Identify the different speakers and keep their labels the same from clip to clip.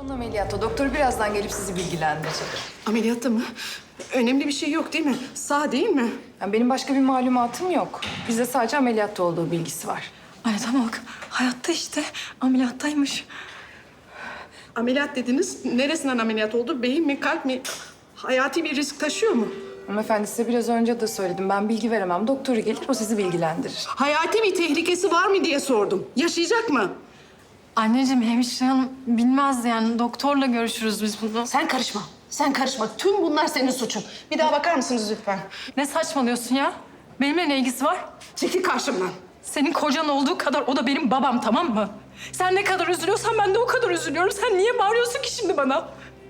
Speaker 1: Yoğun ameliyatta. Doktor birazdan gelip sizi bilgilendirecek.
Speaker 2: Ameliyatta mı? Önemli bir şey yok değil mi? Sağ değil mi?
Speaker 1: Yani benim başka bir malumatım yok. Bizde sadece ameliyatta olduğu bilgisi var.
Speaker 3: Anne bak, hayatta işte. Ameliyattaymış.
Speaker 2: Ameliyat dediniz. Neresinden ameliyat oldu? Beyin mi, kalp mi? Hayati bir risk taşıyor mu?
Speaker 1: Hanımefendi size biraz önce de söyledim. Ben bilgi veremem. Doktoru gelir, o sizi bilgilendirir.
Speaker 2: Hayati bir tehlikesi var mı diye sordum. Yaşayacak mı?
Speaker 3: Anneciğim, hemşire hanım bilmez yani. Doktorla görüşürüz biz bunu.
Speaker 2: Sen karışma. Sen karışma. Tüm bunlar senin suçun. Bir daha bakar mısınız lütfen?
Speaker 3: Ne saçmalıyorsun ya? Benimle ne ilgisi var?
Speaker 2: Çekil karşımdan.
Speaker 3: Senin kocan olduğu kadar o da benim babam, tamam mı? Sen ne kadar üzülüyorsan ben de o kadar üzülüyorum. Sen niye bağırıyorsun ki şimdi bana?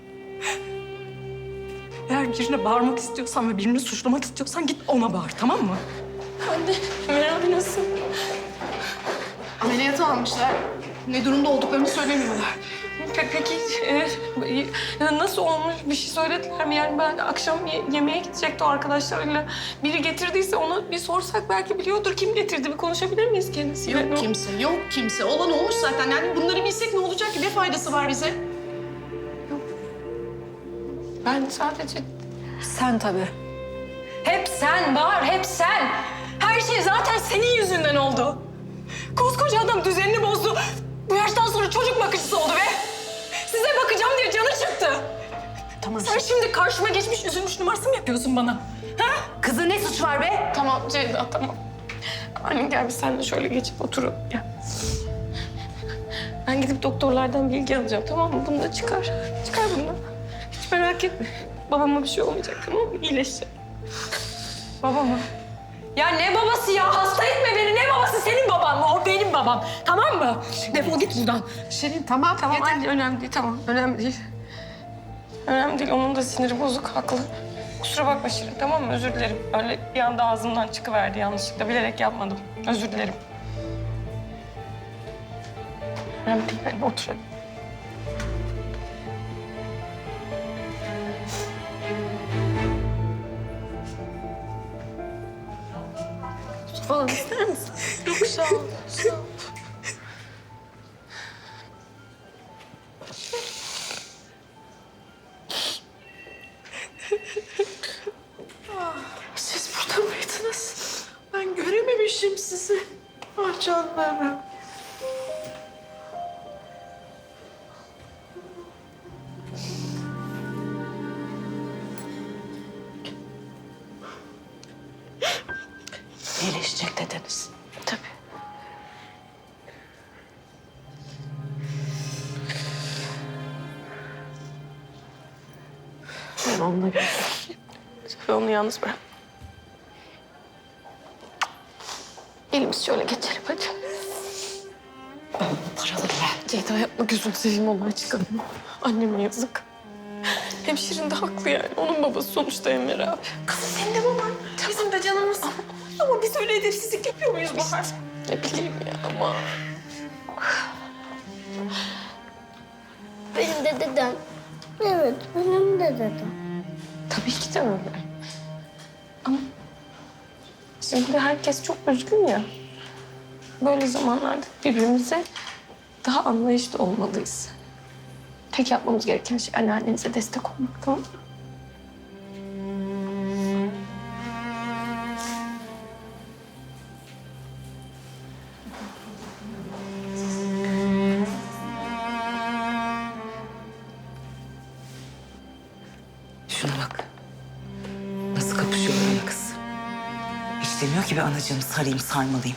Speaker 3: Eğer birine bağırmak istiyorsan ve birini suçlamak istiyorsan git ona bağır, tamam mı? Anne, Ömer abi nasıl?
Speaker 2: Ameliyata almışlar. Ne durumda olduklarını söylemiyorlar.
Speaker 3: Peki nasıl olmuş? Bir şey söylediler mi? Yani ben akşam yemeğe gidecekti o arkadaşlarıyla. Biri getirdiyse ona bir sorsak belki biliyordur. Kim getirdi? Bir konuşabilir miyiz kendisiyle?
Speaker 2: Yok kimse, yok kimse. Olan olmuş zaten. Yani bunları bilsek ne olacak ki? Ne faydası var bize?
Speaker 3: Ben sadece... Sen tabii. Hep sen var, hep sen. Her şey zaten senin yüzünden oldu. Koskoca adam düzenini bozdu. Bu yaştan sonra çocuk bakıcısı oldu be. Size bakacağım diye canı çıktı.
Speaker 2: Tamam.
Speaker 3: Sen şimdi karşıma geçmiş, üzülmüş numarası mı yapıyorsun bana? Ha?
Speaker 2: Kızın ne suç var be?
Speaker 3: Tamam Ceyda, tamam. Anne gel biz seninle şöyle geçip oturalım. Gel. Ben gidip doktorlardan bilgi alacağım, tamam mı? Bunu da çıkar. Çıkar bunu da. Hiç merak etme. Babama bir şey olmayacak, tamam mı? İyileşecek. Baba mı? Ya ne babası ya? Hasta etme beni. Ne babası? Senin baban mı? O benim babam. Tamam mı? Defol git buradan.
Speaker 2: Şirin tamam.
Speaker 3: Tamam
Speaker 2: yeter.
Speaker 3: anne, önemli değil. Tamam, önemli değil. Önemli değil. Onun da siniri bozuk, haklı. Kusura bakma Şirin, tamam mı? Özür dilerim. Öyle bir anda ağzımdan çıkıverdi yanlışlıkla. Bilerek yapmadım. Özür dilerim. Önemli değil. Hadi otur hadi. Su falan ister misin? Yok, sağ ol. Sağ ol.
Speaker 2: Siz burada mıydınız? Ben görememişim sizi. Ah canlarım. İyileşecek dediniz.
Speaker 3: Tabii.
Speaker 2: Ben onunla görüşürüm.
Speaker 3: Ve onu yalnız bırak. Elimiz şöyle geçelim hadi.
Speaker 2: Paraları ver.
Speaker 3: Ceyda yapma, gözünü seveyim, olmaya çıkalım. Anneme yazık. Hemşirin de haklı yani. Onun babası sonuçta Emre abi.
Speaker 2: Kızım senin de baban. Bizim de canımız.
Speaker 3: Ama biz öyle edepsizlik yapıyor muyuz Bahar? Ne bileyim ya ama.
Speaker 4: Benim de dedem. Evet, benim de dedem.
Speaker 3: Tabii ki de öyle. Ama şimdi herkes çok üzgün ya. Böyle zamanlarda birbirimize daha anlayışlı olmalıyız. Tek yapmamız gereken şey anneannenize destek olmak, tamam mı?
Speaker 5: Şuna bak. Nasıl kapışıyor böyle kız. Hiç demiyor ki bir anacığımı sarayım, sarmalıyım.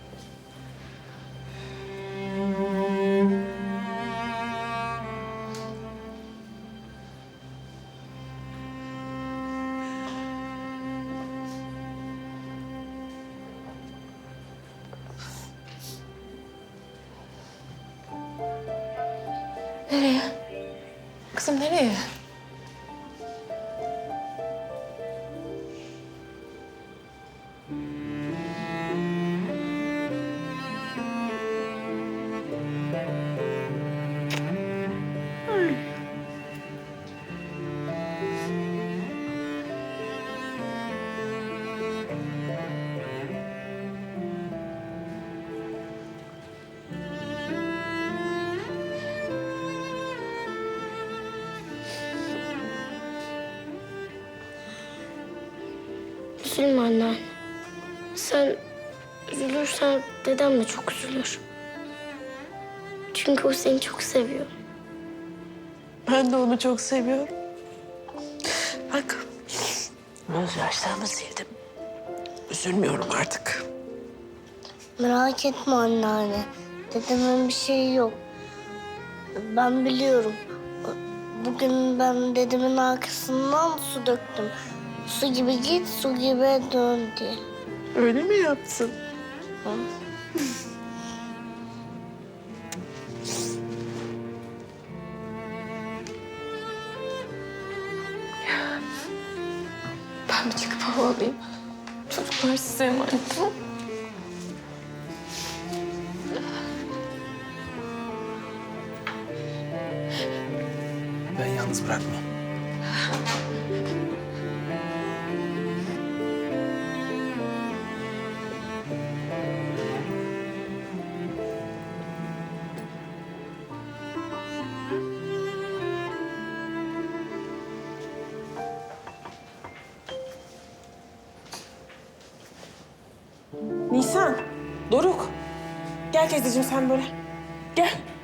Speaker 3: Nereye? Kızım nereye?
Speaker 4: Üzülme anne. Sen üzülürsen dedem de çok üzülür. Çünkü o seni çok seviyor.
Speaker 6: Ben de onu çok seviyorum. Bak, gözyaşlarımı sildim. Üzülmüyorum artık.
Speaker 4: Merak etme anneanne. Dedemin bir şeyi yok. Ben biliyorum. Bugün ben dedemin arkasından su döktüm. Su gibi git, su gibi dön diye.
Speaker 6: Öyle mi yaptın?
Speaker 3: Ben bir çıkıp hava alayım. Çocuklar size emanet, tamam mı?
Speaker 7: Ben yalnız bırakmam.
Speaker 6: Nisan, Doruk. Gel teyzeciğim sen böyle. Gel.